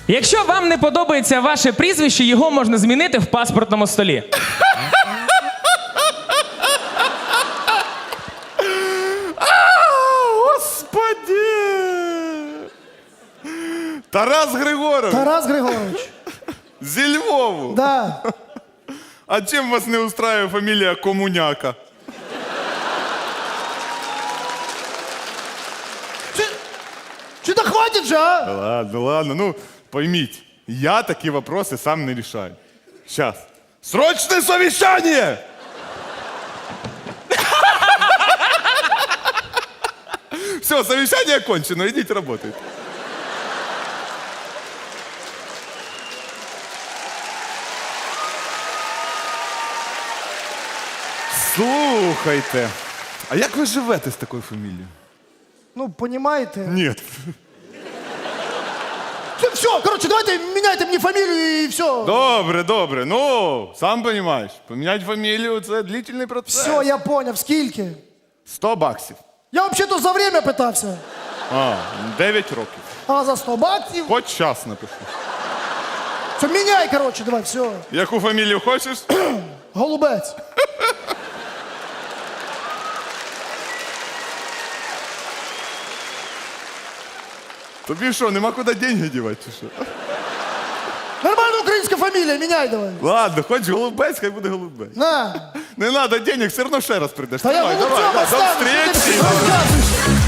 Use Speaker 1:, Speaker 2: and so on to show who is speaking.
Speaker 1: Якщо вам не подобається ваше прізвище, його можна змінити в паспортному столі.
Speaker 2: Господи! Тарас Григорович,
Speaker 3: Тарас Григорович.
Speaker 2: зі Львову.
Speaker 3: Да.
Speaker 2: А чим вас не устраивает фамилия Комуняка?
Speaker 3: Что-то хватит же, а?
Speaker 2: Ладно, ладно, ну поймите, я такие вопросы сам не решаю. Сейчас. Срочное совещание! Все, совещание окончено, идите работать. Слухайте, а як ви живете з такою фамілією?
Speaker 3: Ну, понимаете?
Speaker 2: Ні.
Speaker 3: Все, короче, давайте меняйте мне фамилию и все.
Speaker 2: Добре, добре. Ну, сам розумієш, поміняти фамілію – це длительний процес.
Speaker 3: Все, я понял. Скільки?
Speaker 2: 100 баксів.
Speaker 3: Я вообще-то за время питався.
Speaker 2: А, 9 років.
Speaker 3: А за 100 баксів?
Speaker 2: Хоч час напишу.
Speaker 3: Все, меняй, короче, давай, все.
Speaker 2: Яку фамілію хочеш?
Speaker 3: Голубець.
Speaker 2: Тобі що, нема куди деньги дівати чи що?
Speaker 3: Нормальная украинская фамилия, меняй давай.
Speaker 2: Ладно, хоч голубець, хай буде голубець.
Speaker 3: На.
Speaker 2: Не треба денег, все одно ще раз прийдеш.
Speaker 3: Да я
Speaker 2: Давай,
Speaker 3: голубцом
Speaker 2: давай, до
Speaker 3: останусь.
Speaker 2: встречи.
Speaker 3: Розказуй.